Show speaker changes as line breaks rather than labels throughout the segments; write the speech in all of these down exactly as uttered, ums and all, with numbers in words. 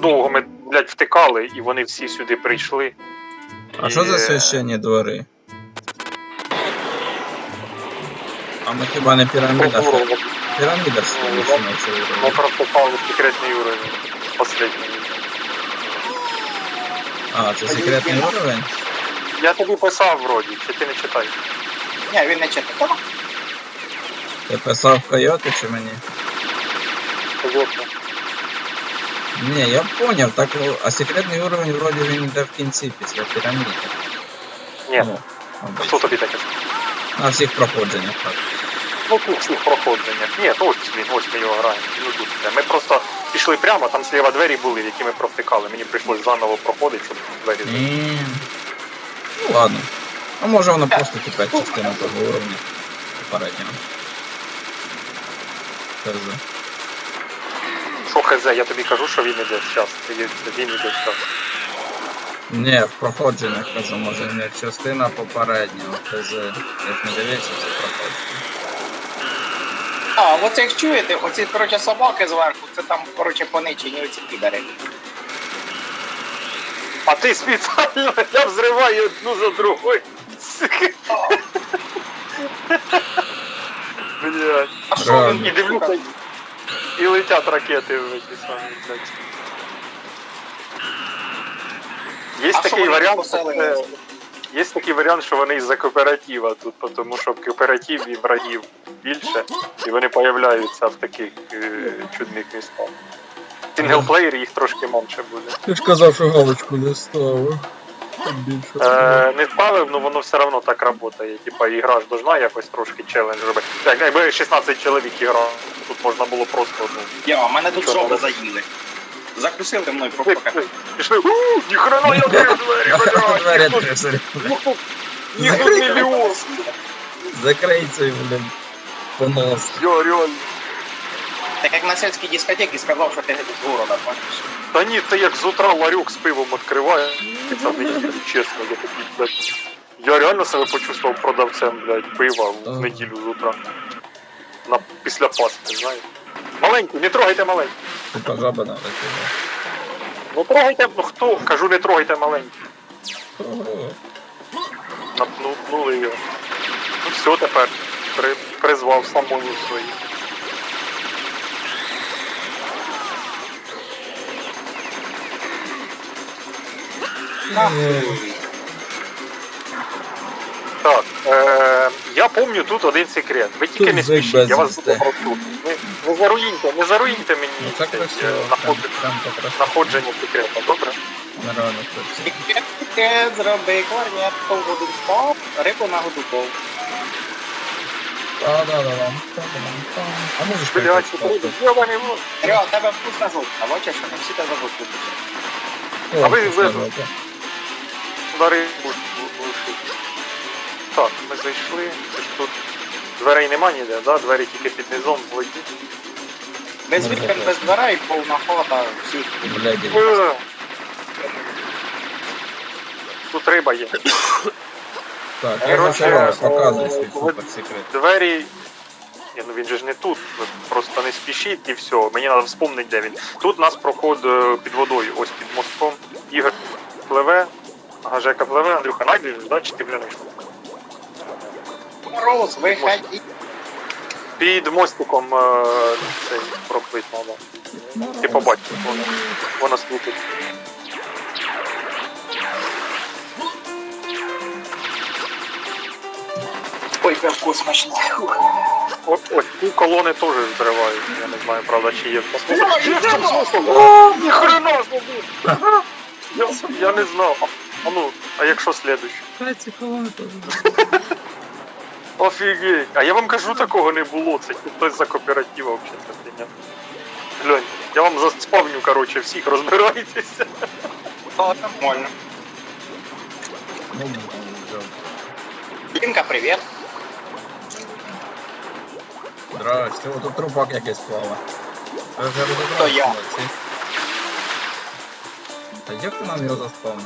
довго ми, блядь, втикали, і вони всі сюди прийшли.
А що за священні двори? А ми хіба не піраміда? Піраміда ж вийшла на цей
Ми
уровень.
просто попали в секретний уровень. Последній.
А, це секретний уровень?
Я тобі писав вроді, чи ти не читаєш?
Ні, він не читав.
Ти писав Койоти чи мені?
Звісно.
Ні, я поняв, так, а секретний уровень вроді він йде в кінці після піраміди.
Ні,
Ну,
хто
обично.
тобі таке сказав?
На всіх проходженнях так.
Ну тут всіх проходженнях. Ні, то ось він, ось ми його граємо. Ну тут все. Ми просто пішли прямо, там зліва двері були, в які ми провтикали. Мені прийшлось заново проходити, щоб двері зайти.
Ні. Ну ладно. А може воно просто тепер частина того уровня попереднього. Хз.
Що хз, я тобі кажу, що він іде зараз. Він іде зараз.
Ні, в проходженнях кажу, може не частина попереднього. Хз. Як не дивився, це проходження.
А, оце як чуєте, оці, коротше, собаки зверху, це там, коротше, поничені оці підари.
А ти спеціально, я взриваю одну за другою. Блядь.
А що
Реально.
І
він,
дивлюся,
сука?
і летять ракети в ці самі, блядь. Є
А що
такий
вони
варіант,
поселилися?
е, є такий варіант, що вони із-за кооператива тут, тому що в кооперативі врагів більше, і вони появляються в таких е, чудних містах. В синглплеєрі їх трошки менше буде.
Ти ж казав, що галочку не ставив. Більше.
Е, не ставив, але воно все одно так працює. Типа ігра ж должна якось трошки челендж робити. Так, якби шістнадцять чоловік іграв, тут можна було просто одну.
Я, мене тут
Нічого
жоби
не
заїли. Закусили мною
Пішли,
просто
пішли, пішли. Ууу, ніхрена я відкрив двері, блядь.
Двері
Їх тут-
трясуть.
їх тут- Їх тут мільйон.
Закрий цей, блін, понос.
Я реально.
Так як на сільській дискотеці сказав, що ти з города, бачиш.
Та ні, це як з утра ларьок з пивом відкриває. Це мені чесно, я такий, блядь. Я реально себе почувствував продавцем, блядь, пива в неділю з утра. На, після Пасхи, знаєш. Маленький, не трогайте маленький.
Тупа жаба надо кидати.
Ну трогайте, ну хто? Кажу, не трогайте маленький.
Ого.
Напнули його. Ну все, тепер при, призвав самому свої.
Нахуй.
Так, е, я пам'ятаю тут один секрет. Ви тільки
Тут
не
зик
спішіть, я вас
безвісти.
дуже прошу. Ви не заруїньте, не заруїнте мені
Ну це
цей,
красиво.
е, наход-
Прям покрасиво.
знаходження секрета, добре?
Нереально красиво.
Тільки зроби корнетку в воду впав, рибу на воду впав.
Та-да-да-дам, та-да-дам-там. А можеш
Блядь,
прийти?
ти йобаний в рот.
Серега, у тебе вкусна жовтка, бачиш, що не всі тебе жовтку кусять.
А ви ви- на рибу глушить. Так, ми зайшли. Це ж тут дверей нема ніде, да? Двері тільки під низом в воді.
Без
Ну,
вікон,
якраз.
без дверей, повна хата, всіх.
Бляді.
Е. Тут риба є.
Так, я
Короче,
зачарував, показуй
е,
свій
ви-
суперсекрет.
Двері. Ні, ну він же ж не тут. Ви просто не спішіть і все. Мені треба вспомнити, де він. Тут у нас проход е, під водою, ось під мостком. Ігор пливе, ага, Жека пливе, Андрюха, найдеш, да, чи ти глянеш?
Мороз, виходи.
Під мостиком е, цей проплить треба. Ти побачиш, воно, воно світить.
Ой, пивко смачне. Фух.
О, ось ці колони теж зривають. Я не знаю, правда, чи є.
О,
Ніхрена собі! Я, я не знав. А, а ну, а якщо слідуючий?
Ці колони теж.
Офігеть. А я вам кажу, такого не було. Це хтось за кооператива взагалі це фігня. Глянь, я вам заспавню, короче, всіх розбирайтеся.
О, нормально.
Ну, вже.
Лінка, привіт.
Здрасте, о, тут трупак якийсь плаває. Я вже розібрався.
То я.
молодці. Та як ти нам його заспавнив?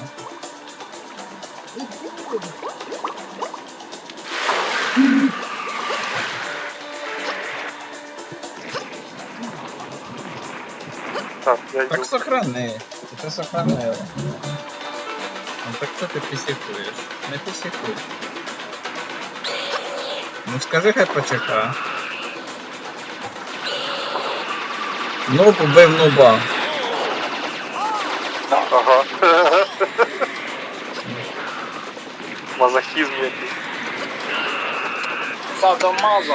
Так, я йду.
Так сохрани. Ти сохранила. Ну так що ти пісікуєш? Не пісікуй. Ну скажи, хай почека. Ну, побив нуба.
Ага. Мазохізм якийсь.
Садомазо.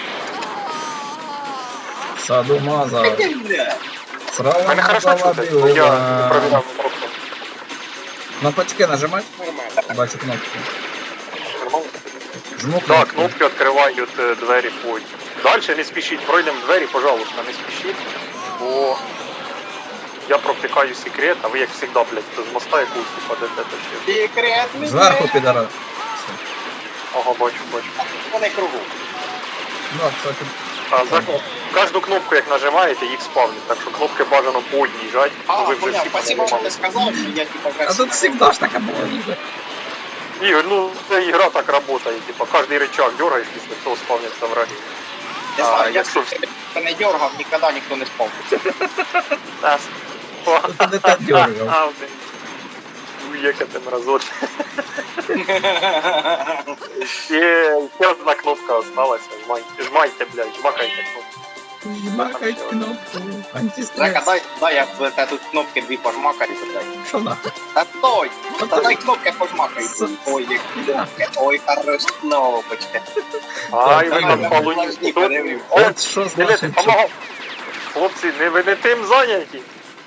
Садомаза. Срала
Мене хорошо
мазала
чути, бо я не
білила.
провіряв просто.
Кнопочки нажимать?
Нормально.
Бачу кнопки.
Нормально?
Жму
Да,
кнопки.
кнопки відкривають е, двері потім. Далі не спішіть, пройдемо двері, пожалуйста, не спішіть, бо я провтикаю секрет, а ви як завжди, блядь, з моста якусь падете та ще.
Секретний.
Зверху підара.
Ага, бачу, бачу.
Вони кругу.
Ну, кстати.
А за кожну кнопку, як нажимаєте, їх спавнять, так що кнопки бажано по одній жать,
А,
бо ви вже
понял,
всі
спасибо, що ти
понажимали.
сказав, що я типа
А тут всегда ж така була ніби.
Ігор, ну це ігра так працює, типа кожний рычаг дергаєш, після цього спавняться враги.
Не
А,
знаю, я
якщо-
не дергав, ніколи ніхто не спавниться.
Та,
Тут не так дергав.
А, блін. Уїхати ти мразот. Ще ще одна кнопка осталася. Жмайте, жмайте, блядь, жмакайте кнопку.
Жмакай кнопку.
Жека,
Антистрес.
дай, дай я в те тут кнопки дві пожмакаю, блядь.
Що нахуй?
Та той! Та дай кнопки пожмакай.
С-
Ой, як кнопки. Ой, хорош кнопочки.
Ай, ви
Ай,
там
ай,
полуні.
подожди,
Тут-
подивись.
От що
Дивіться,
значить, що...
помагав. Хлопці, не ви не тим зайняті.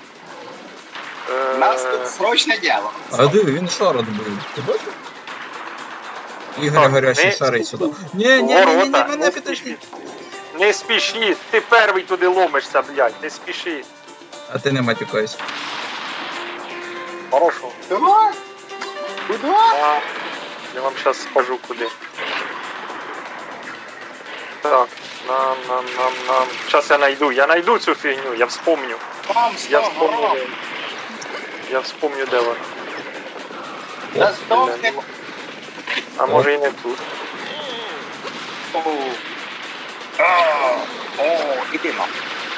Е,
Нас тут срочне діло.
А диви, він шар отбив. Ти бачив? Ігор
Так,
горячий
не-
шарить сюди. Ні, ні, ні, ні, ні,
Ворота,
мене
не
підожди.
спішіть. Не спішіть, ти перший туди ломишся, блядь, не спіши.
А ти не матюкайся.
Хорошо.
Куда? Куда?
А, я вам сейчас скажу куди. Так, нам, нам, нам, нам. Сейчас я найду, я найду цю фігню, я вспомню.
Там
Я
сто
вспомню,
грам.
де. Я вспомню, де вона.
Та здохне.
А може і не тут.
О, А, О, іди на.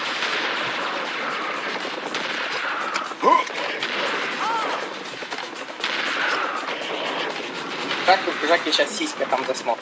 Так, тут Жаки сейчас сиська там засмотрит.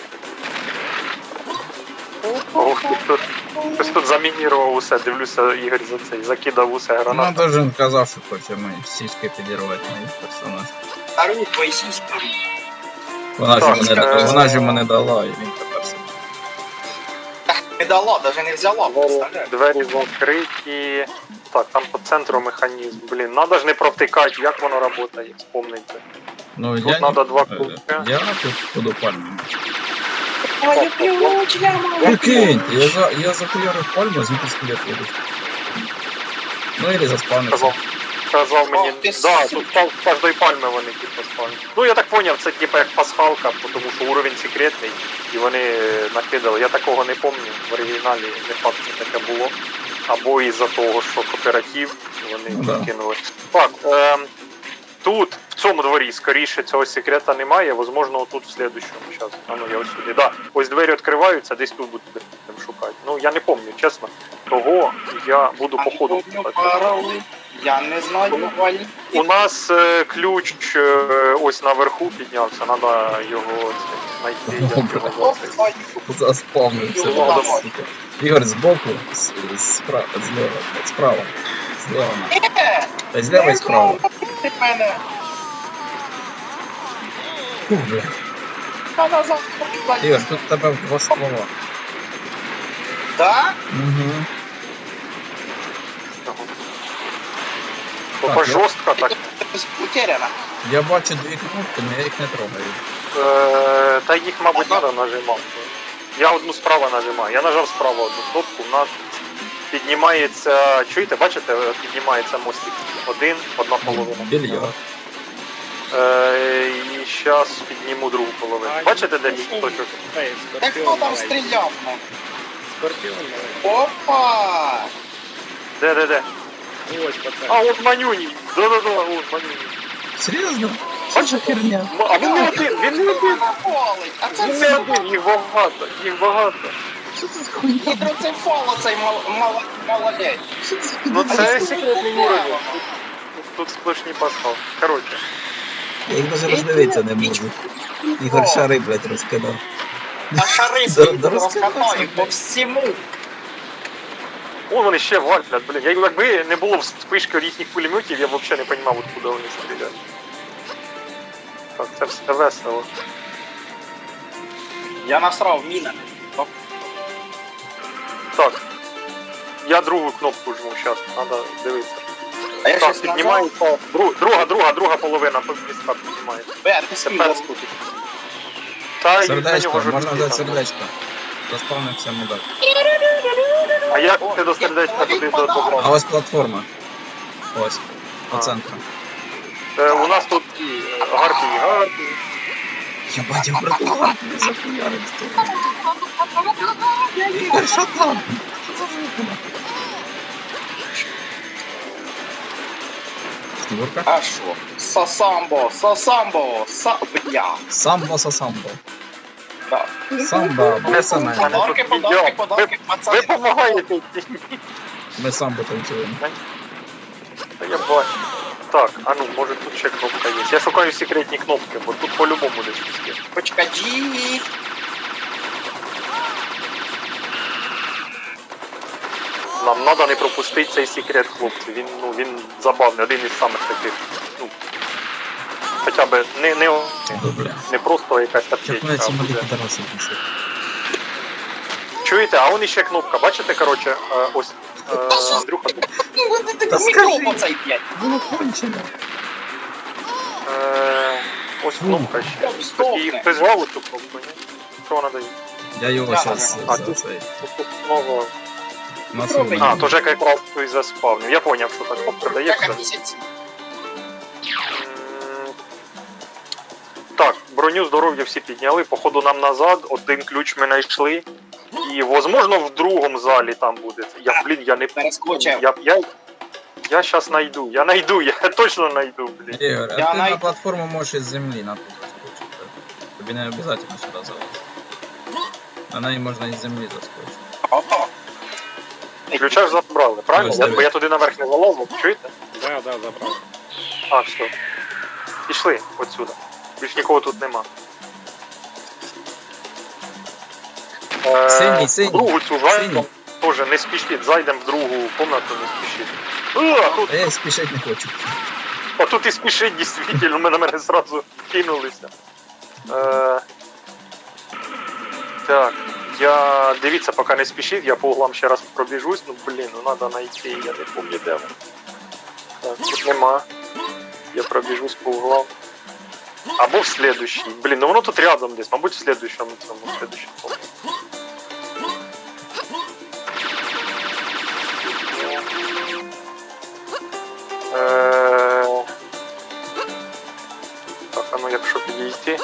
Ох, ти тут. Хтось тут замінірував усе, дивлюся, Ігор за цей, закидав усе
Ну,
гранат.
даже він казав, що хоче мої сіськи підірвати мої персонаж.
Стару твої сиськи.
Вона ж
Так,
йому
е,
не, вона ж йому не дала, і він тепер собі.
Не дала, даже не взяла.
Двері,
представляєш?
двері закриті. Так, там по центру механізм. Блін, надо ж не провтикати, як воно працює, вспомнити.
Ну,
Тут
я,
надо два
е,
кубка.
я тут буду пальму.
Ой, ключ,
Прикинь, я, за, я захуярив пальму, звідти скелет вийдуть. Ну, или заспавниться.
Казав, казав мені,
О, ти
да,
сука.
тут пал- з кожної пальми вони типу спавнять. Ну я так поняв, це типу як пасхалка, тому що уровень секретний, і вони е, накидали. Я такого не пам'ятаю, в оригіналі не факт, що таке було. Або із-за того, що кооператив, вони
Ну, да.
накинули. Так, ем, тут, в цьому дворі, скоріше цього секрета немає, возможно, тут в слідущому. Зараз, а ну я ось сюди. Да, ось двері відкриваються, десь тут будемо шукати. Ну я не пам'ятаю, чесно. Того я буду по ходу. шукати.
Я не знаю, Валі.
У нас е, ключ е, ось наверху піднявся, треба його це, знайти. Як його звати.
Заспавнився.
Ну,
да,
давай.
сука. Ігор, збоку, з, справа, зліва, справа. Зліва. Та зліва і справа.
Ти мене.
Фу, бля.
Та назад.
Ігор, тут в тебе два ствола.
Да?
Угу.
Тобто
Так, я-
жорстко так.
Утеряна.
Я бачу дві кнопки, але я їх не трогаю.
Е, та їх, мабуть, треба нажимати. Я одну справа нажимаю. Я нажав справа одну кнопку, у нас піднімається. Чуєте, бачите, піднімається мостик. Один, одна половина.
Більярд.
Е, і зараз підніму другу половину. Бачите, де мій точок?
Так хто там стріляв? ну?
Скорпион,
Опа!
Де, де, де?
ось пацан.
А, от манюній. Да-да-да, от манюній.
Серйозно? Що за херня?
М- А він не один, він не один.
Вона колить, а це
Він не
все.
один, їх багато, їх багато.
Гідроцефал оцей мал- мал- молодець.
Ну це секретний уровень. Тут сплошні пасхал. Коротше.
Я їх даже роздивитися не можу. Ігор шари, блядь, розкидав.
А шари
Да-
свої
да
розкатаю
розкатався,
по всьому.
О, вони ще валять, блін. Я- Якби не було вспишки їхніх пулеметів, я б взагалі не розумів, откуда вони стріляють. Так, це все весело.
Я насрав міна.
Так. Я другу кнопку жму, зараз, треба дивитися.
А я
Так,
щось нажав.
піднімається. Дру- Друга, друга, друга половина міста піднімається.
Бе, ти
Тепер
скинь.
скутить. Та й на
Сердечко,
нього ж
можна
руки
взяти
там.
сердечко. Заспавнився мудак.
А як ти до сердечка туди до
А
добра?
ось платформа. Ось. По
А.
центру.
Е, у нас тут і е, гарпії, гарпії.
Ебать, я братуха, не захуярив тут. Ігор, що там? Що за звук? Снігурка?
А що? Сасамбо, сасамбо, са... Бля.
Самбо са самбо.
Так.
Самба, без саме.
Подарки, подарки, подарки,
Ви
пацани.
допомагаєте.
Ми самбо танцюємо.
Та я бачу. Так, а ну, може тут ще кнопка є. Я шукаю секретні кнопки, бо тут по-любому десь щось є.
Почкаджі.
Нам треба не пропустити цей секрет, хлопці. Він, ну, він забавний, один із самих таких, ну, хоча б не, не,
Добре.
не просто якась
Чого
аптечка,
я
а
ці малі
буде.
підараси несуть?
Чуєте, а вон іще кнопка, бачите, коротше, е, ось, е, Андрюха,
Та
Мікрофон
скажи.
оцей, блядь.
Було кончено.
е, ось кнопка ще.
Стоп, стоп.
І хтось звав цю кнопку, ні? Що вона дає?
Я його
Да,
зараз
да.
за цей.
Тут знову...
Насунув.
А, то Жека якраз той заспавнив. Я поняв, що так кнопка
Яка
дається.
місяць?
М, Так, броню здоров'я всі підняли, походу нам назад, один ключ ми знайшли. І, возможно, в другому залі там буде. Я, блін, я не
Перескочив.
Я, я, я щас найду, я найду, я точно найду, блін.
Ігор, а
Я
ти
най-
на платформу можеш із землі на тут заскочити. Тобі не обов'язково сюди залазити. На неї можна із землі заскочити.
Ото.
Ключа ж забрали, правильно?
Ось,
Я,
диви.
бо я туди наверх не залазив, чуєте?
Да, да, забрал.
А, все. Пішли отсюда. Більш нікого тут нема. Е,
Синій, синій,
в другу цю
синій.
зайдемо. Тоже не спішіть, зайдемо в другу комнату, не спішіть. А, тут,
А я спішати не хочу.
а тут і спішить, дійсно, ми на мене зразу кинулися. Е, так, я... Дивіться, поки не спішіть, я по углам ще раз пробіжусь. Ну, блін, ну треба знайти, я не пам'ятаю, де воно. Так, тут нема. Я пробіжусь по углам. Або в следующий. Блін, ну воно тут рядом десь, мабуть, в следующому цьому, в следующому комнаті. Е, Так, а ну якщо підійти.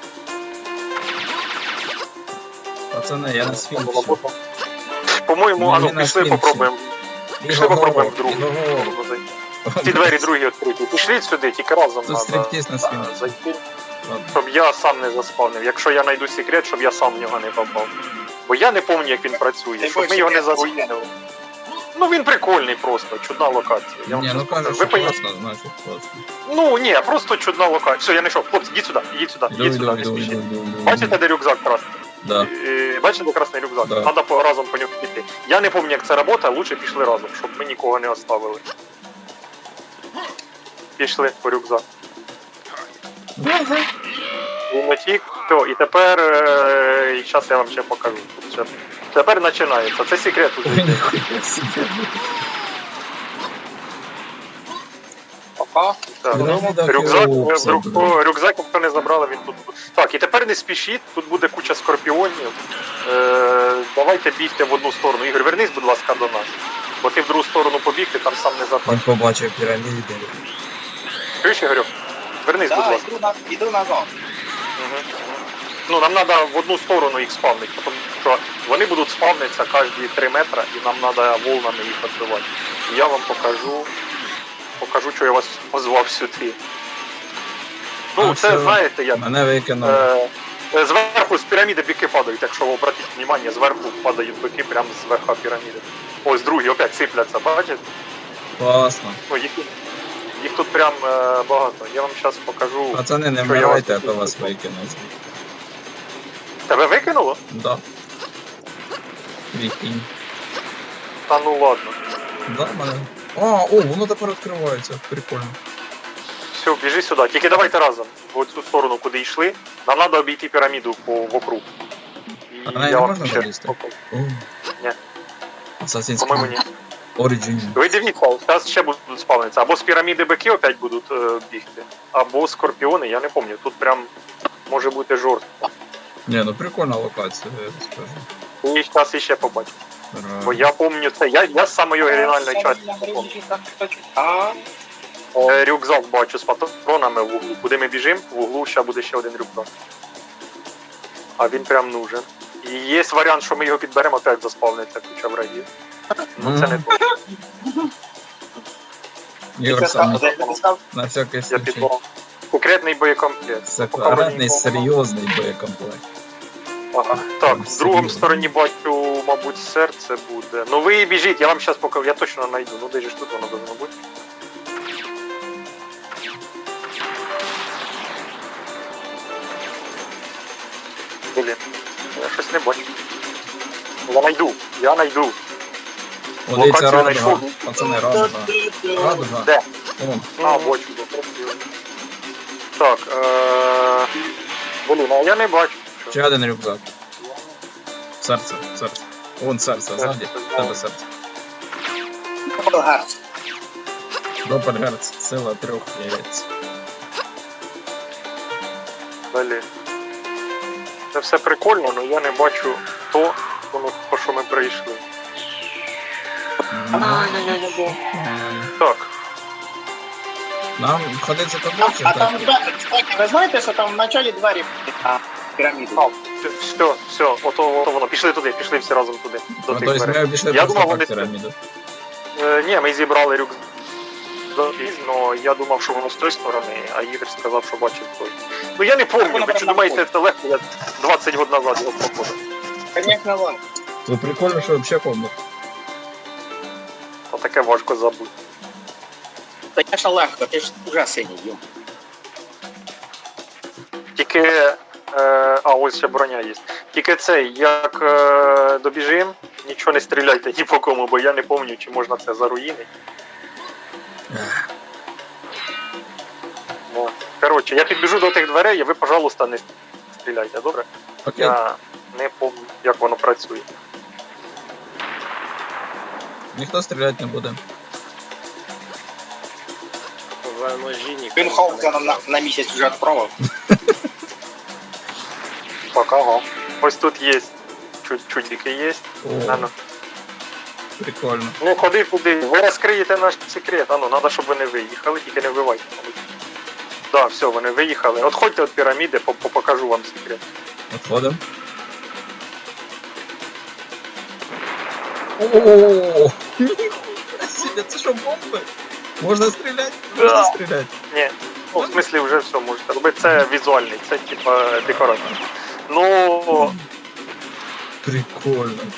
Пацани, я на сфінксі.
По-моєму,
Ну,
а ну
він на
пішли
сфінксі.
попробуємо. Пішли
Ігор,
попробуємо в другу.
Ігор,
Ці двері другі відкриті. Пішли сюди, тільки разом
Тут
треба
стриптіз на сфінксі.
зайти.
Ладно.
Щоб я сам не заспавнив. Якщо я знайду секрет, щоб я сам в нього не попав. Бо я не пам'ятаю, як він працює,
Ти
щоб ми
хочеш
його не
секрет?
заруїнили. Ну він прикольний просто, чудна локація. Я вам
Ні, ну
чесно
кажуть,
кажу.
що
Ви поняли?
класно, значить класно.
Ну ні, просто чудна локація. Все, я знайшов. Хлопці, йдіть сюди, йдіть сюди,
Іду,
йдіть
іду,
сюди, не
іду,
спішіть.
іду, іду, іду.
Бачите, де рюкзак красний?
Да.
Е, Бачите, красний рюкзак?
Да.
Треба по- разом по нього піти. Я не пам'ятаю, як це працює, лучше пішли разом, щоб ми нікого не оставили. Пішли по рюкзак. Він утік. Все, і тепер. е, І зараз я вам ще покажу. Тут ще- Тепер починається. Це секрет уже.
Ой,
йде.
ніхуя собі.
Пока.
Так.
Ну, так,
Рюкзак,
о,
е,
все,
рюк-
блін.
о, рюкзак, якщо не забрали, він тут буде. Так, і тепер не спішіть, тут буде куча скорпіонів. Е, давайте бігти в одну сторону. Ігор, вернись, будь ласка, до нас. Бо ти в другу сторону побіг, ти там сам не
Він
запав.
побачив піраміди.
Чуєш, Ігорю? Вернись, будь
Да,
ласка.
іду, на, іду назад.
Угу. Ну, нам треба в одну сторону їх спавнити, тому що вони будуть спавнитися кожні три метри, і нам треба волнами їх відбивати. І я вам покажу, покажу, що я вас позвав сюди. Ну,
А,
це,
все.
знаєте, як...
Мене викинули.
Е, Е, Зверху з піраміди бики падають, якщо ви обратіть увагу, зверху падають бики прямо з верха піраміди. Ось другі опять сипляться, бачите?
Класно.
Ну, їх, їх тут прям е, багато. Я вам зараз покажу.
Пацани, не
що я
вмирайте, а
вас-
то вас викинуть.
Тебе викинуло?
Да. Прикинь.
Та ну ладно.
Да, мене. А, о, воно тепер відкривається. Прикольно.
Все, біжи сюди. Тільки давайте разом. В цю сторону, куди йшли. Нам треба обійти піраміду по вокруг. І
А на неї не можна
ще
залізти?
покажу.
О.
Ні.
Assassin's
По-моєму,
Creed.
ні.
Origin.
Ви дивіться, зараз ще будуть спавнитися. Або з піраміди бики опять будуть е, бігти, або скорпіони, я не пам'ятаю. Тут прям може бути жорстко.
Не, ну прикольна локація, я скажу.
І зараз іще побачимо.
Ра-
Бо я пам'ятаю це. Я, я з самої оригінальної частини.
А,
Е, Рюкзак бачу з патронами в углу. Куди ми біжимо, в углу ще буде ще один рюкзак. А він прям нужен. І є варіант, що ми його підберемо, опять заспавниться куча врагів. Ну це не то.
Ігор саме
це там,
на всякий
Я
случай.
підберу. Секретний боєкомплект.
Секретний, серйозний боєкомплект.
Ага. Так, в другому
Серйозно.
стороні бачу, мабуть, серце буде. Ну ви біжіть, я вам зараз покажу, я точно знайду. Ну де ж тут воно должно бути. Блін, я щось не бачу. Я найду, я найду.
О, дивіться,
Локацію
радуга.
знайшов.
Пацани, радуга. Радуга.
Де?
Вон.
А, бачу, красиво. Так, е... Блін, а я не бачу.
Ще один рюкзак. Серце, серце. Вон серце, ззаді. В тебе серце.
Гарс.
Доппельгерц, сила трьох яєць.
Далі. Це все прикольно, але я не бачу то, воно, по що ми прийшли.
Ай-яй-яй-яй.
Так,
Нам ходить за тобою чи
А там,
так?
кстати, ви знаєте, що там в началі двері а, піраміди?
а, все, все, ото, ото воно. Пішли туди, пішли всі разом туди. До
Ну,
тих
тобто
дверей.
ми обійшли
Я
просто
думав,
так
вони-
піраміду.
Е, ні, ми зібрали рюкзак. Але я думав, що воно з тої сторони, а Ігор сказав, що бачив той. Ну я не пам'ятаю, ви чи думаєте, це легко, я двадцять років назад його проходив.
Конечно, вон.
Це прикольно, що взагалі помню.
А таке важко забути.
Конечно, легко, ти ж уже синій, йом.
Тільки. Е, а, ось ще броня є. Тільки цей, як е, добіжим, нічого не стріляйте ні по кому, бо я не пам'ятаю, чи можна це заруїнити. Ну, коротше, я підбіжу до тих дверей, і ви, пожалуйста, не стріляйте, добре?
Окей.
Я не пам'ятаю, як воно працює.
Ніхто стріляти не буде.
В ножі ніхто
Він
не
Хоука
знає.
на, на місяць вже відправив.
Так, ага. Ось тут є. Чуть чудики є.
О,
Ану.
прикольно.
Ну, ходи туди. Ви розкриєте наш секрет. Ану, треба, щоб вони виїхали, тільки не вбивайте. мабуть. Так, все, вони виїхали. Отходьте від піраміди, по- по- покажу вам секрет.
Отходимо. О, ніхуя себе, це що, бомби? Можна стріляти? Можна
Да.
стріляти.
Ні, ну, в смислі вже все можете робити. Це візуальний, це типа декорація. Ну,
Прикольно.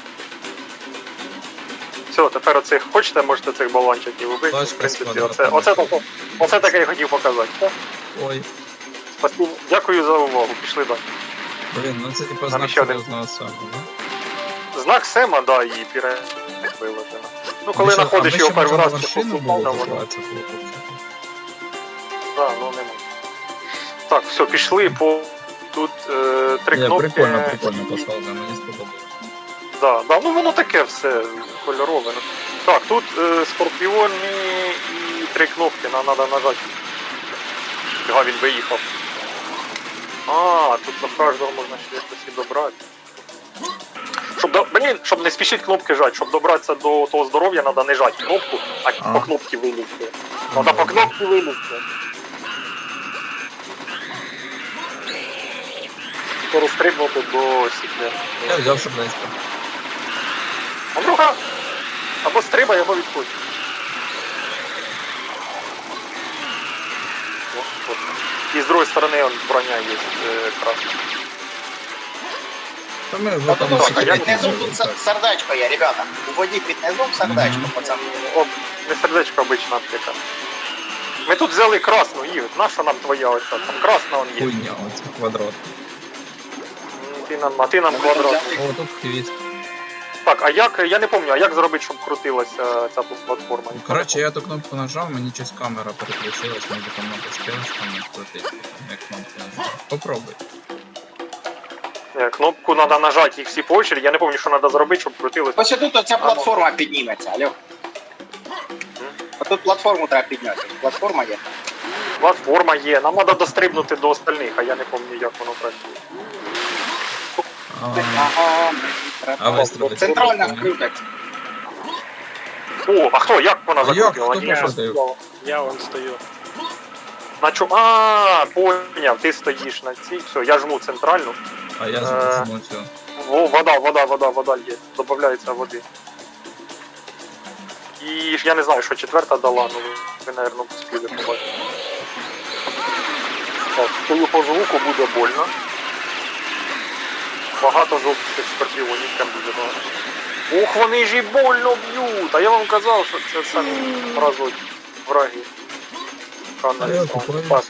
все, тепер оцих хочете, можете цих балончиків вбити.
Тачка
В принципі,
складна,
оце, оце, таке, оце таке я хотів показати. Все.
Ой,
Спасибо. Дякую за увагу. Пішли далі.
блін, ну це типу
Там
знак
ще один.
серйозного саме, да?
Знак Сема, да, і піре виложено. Ну, коли
А ми
знаходиш
ще-
його
а ми ще
перший раз,
можемо
то
машину
попав на
було
воно.
називатися, було взагалі.
Да, ну нема. Так, все, пішли по тут е, три
Ні,
кнопки.
прикольно, прикольно пасхалка, мені сподобалось.
Да, да, ну воно таке все кольорове. ну. Так, тут е, скорпіони і три кнопки, нам треба нажати. Ага, він виїхав. А, тут до кожного можна ще якось і добрати. Щоб, до... Блін, щоб не спішити кнопки жати, щоб добратися до того здоров'я, треба не жати кнопку, а,
А.
по кнопці вилізти. Треба по кнопці вилізти. Розстрибнути до сікля.
Я взяв шаблейська.
Андрюха! Або стрибай, або відходь. О, от. І з другої сторони он, броня є е, красна.
Та ми вже
От
там
тут,
а я
під низом тут се- сердечко є, ребята. У воді під низом сердечко,
Мгм.
пацани.
О, не сердечко, обична аптека. Ми тут взяли красну, Ігор. Наша нам твоя оця? Там красна он є.
хуйня, оце квадрат.
М, Ти нам, а ти нам квадрат.
О, тут хвіст.
Так, а як, я не пам'ятаю, а як зробити, щоб крутилася ця платформа?
Ну, коротше, я ту кнопку нажав, мені щось камера переключилась, може там надо стрілочками крутити, там, як кнопку нажав. Попробуй.
Е, Кнопку треба нажати, їх всі по очереді. Я не пам'ятаю, що треба зробити, щоб крутилося.
Ось тут оця платформа підніметься, алло. А тут платформу треба підняти. Платформа є.
Платформа є, нам треба дострибнути до остальних, а я не пам'ятаю, як воно працює.
А,
Ага.
а вистрілити.
Центральна вкрутить.
О, а хто, як вона
А як?
закрутила?
Хто
Ні, що
пошутив?
сказала?
Я вон стою.
На чому? А, поняв, ти стоїш на цій, все, я жму центральну.
А я
Е.
зможу цю.
Во, вода, вода, вода, вода є. Добавляється води. І ж я не знаю, що четверта дала, ну ви, наверное, поспіли побачити. Так, стою по звуку, буде больно. Багато жовтих скорпіонів прям дуже багато. Ух, вони ж і больно б'ють! А я вам казав, що це самі разуть враги.
А я
Каналі
купаю.
Пас.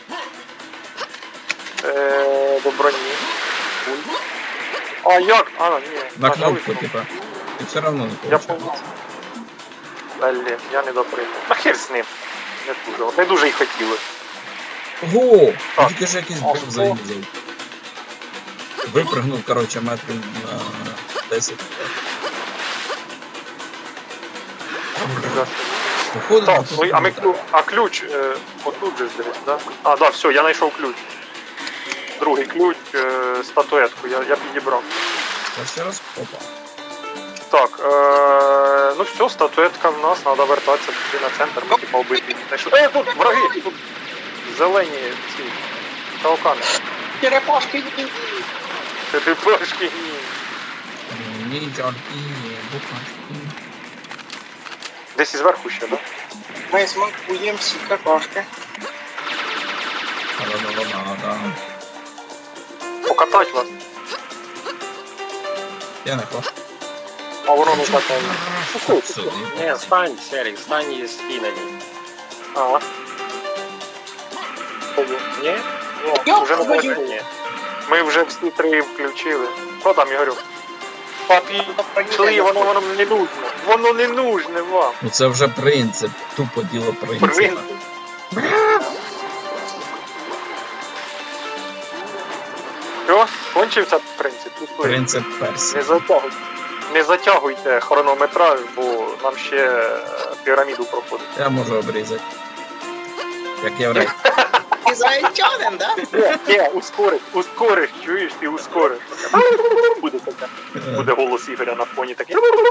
Е, до броні. Пульт. А як? А, ні.
На
нажали
кнопку, типа. І все равно не
Я
получается.
помню. Блін, я не доприйняв. А хер з ним. Не дуже. Не дуже й хотіли.
Ого! Я
Так.
тільки ж якийсь
А
бог
що?
заїздив. Випрыгнув, короче, метрів на десять. Походу,
Так,
тут
ну, а, ми,
не
ключ- а ключ е, отут же здесь, да? А, да, все, я знайшов ключ. Другий ключ, е, статуетку, я, я підібрав.
треба. Ще раз, опа.
Так, е, ну все, статуетка в нас, треба вертатися туди на центр, ми типа вбити. Знайшли- Е, тут враги, тут зелені ці таукани.
Черепашки.
Ти пашки, ні.
Ніндзяки, букашки.
Десь і зверху ще, да?
Ми смакуємо всі какашки.
Да-да-да-да-да.
Покатать вас.
Я не хочу.
А воно не катає.
Так, сюди.
Не, стань, Серик, стань и спи на ней.
А.
Не?
Ні, вже не
твою.
можна, ні. Ми вже всі три включили. Що там, Ігорю? Папі, пішли, воно воно не нужно. Воно не нужне вам.
Ну це вже принцип, тупо діло принципа.
Принцип. Що? Кончився принцип? Пішли.
Принцип
Не
персів.
затягуйте. Не затягуйте хронометраж, бо нам ще е, піраміду проходить.
Я можу обрізати. Як єврей.
Ізраїльтянин, да?
Ні, ні, ускориш, ускориш, чуєш, ти ускориш. Буде таке. Буде голос Ігоря на фоні такий.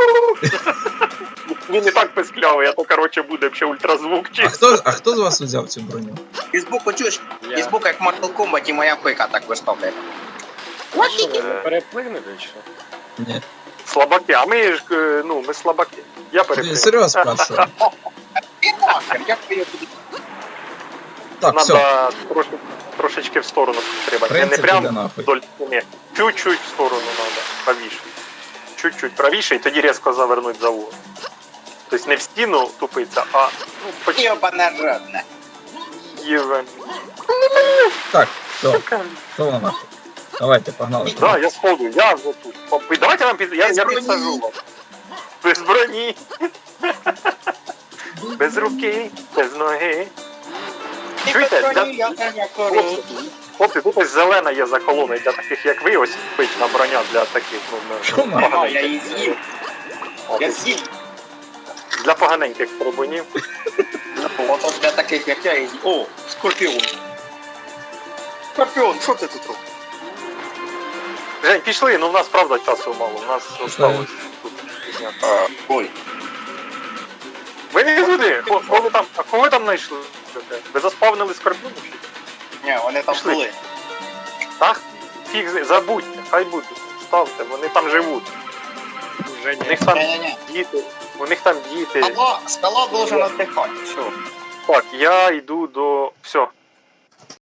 Він не так писклявий, а то, коротше, буде ще ультразвук
А
чисто.
хто, а хто з вас взяв цю броню?
І збоку чуєш?
Я.
І збоку, як в Mortal Kombat, моя пика так виставляє.
Що, ви переплигнете чи що?
Ні.
Слабаки, а ми ж, е, ну, ми слабаки. Я
Ти
перепрошую.
серйоз першого?
І нахер, як ви її туди?
Так, все.
Надо трошки, трошечки в сторону треба. Не, не
Принцип іде
прям
нахуй.
вдоль стіни. Чуть-чуть в сторону надо, правіше. Чуть-чуть правіше і тоді різко завернуть за угол. Тобто не в стіну тупиться, а ну, почти
Йобане жодне.
євен.
Так, все. Що воно нахуй? Давайте, погнали.
Да, я сходу, я вже тут. Попи- Давайте вам під... я,
Без
я
броні.
підсажу вас. Без броні. Без руки, без ноги.
І
Чуєте,
без
для-
броні я не
Хлопці,
кору.
хлопці, тут ось зелена є за колоною для таких, як ви, ось пична броня для таких, ну,
Що
ну,
нахуй?
А, я її з'їв.
От,
Я з'їв.
для поганеньких трибунів.
Ото для таких, як я, її з'їв. О, скорпіон. Скорпіон, що ти тут робиш?
Жень, пішли, ну в нас правда часу мало, у нас осталось тут. пізня.
А, ой.
Ви не туди, Ко- кого там, а кого ви там знайшли? Ви заспавнили скорпіонів? чи?
Ні, вони там
Пішли.
були.
Так? Фіг, з- забудьте, хай будуть, ставте, вони там живуть.
Уже
У
не.
них там
Ні-ні-ні.
діти, у них там діти.
Скала, скала должен отдыхать. Все.
Так, я йду до... Все,